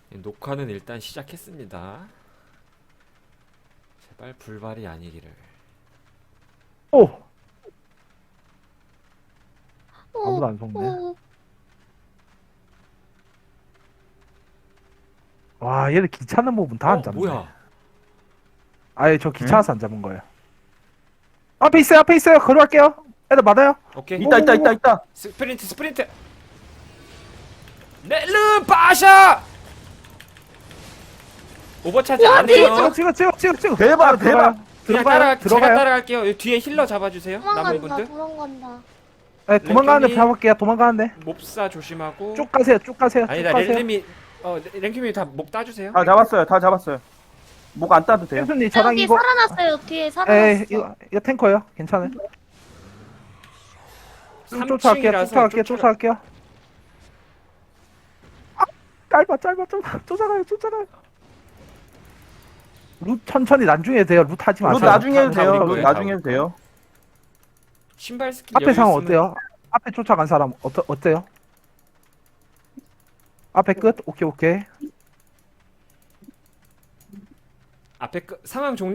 녹화는 일단 시작했습니다. 제발 불발이 아니기를. 오! 아무도 안 속네. 와, 얘들 귀찮은 부분 다 안 잡네. 뭐야? 아예 저 귀찮아서 안 잡은 거예요. 앞에 있어요, 앞에 있어요. 걸어갈게요. 애들 맞아요? 오케이. 있다. 스프린트. 넬르 바샤. 오버차지 안 해요. 찍어. 대박. 그냥 제가 들어가요. 따라갈게요. 여기 뒤에 힐러 잡아주세요. 남은 도망간다, 분들. 도망간다. 네, 도망가는데 랭킴이- 잡을게요. 도망가는데. 몹사 조심하고. 쭉 가세요. 아니다, 렐름이 랭킴이 다 목 따주세요. 다 잡았어요. 목 안 따도 돼요. 햄순님 저랑 여기 이거. 살아났어요. 뒤에 에, 살아났어. 이거 탱커예요. 괜찮아요. 쭉 3층이라서 쫓아갈게요. 아, 짧아. 쫓아가요. 룻 천천히 나중에 해도 돼요. 룻 하지 마세요. 로 나중에 해도 돼요. 다 우리 로 거예요, 나중에 다 해도 돼요. 신발 스킬 앞에 여유 상황 있으면- 어때요? 앞에 쫓아간 사람 어때요? 앞에 끝? 오케이. 앞에 상황 종료.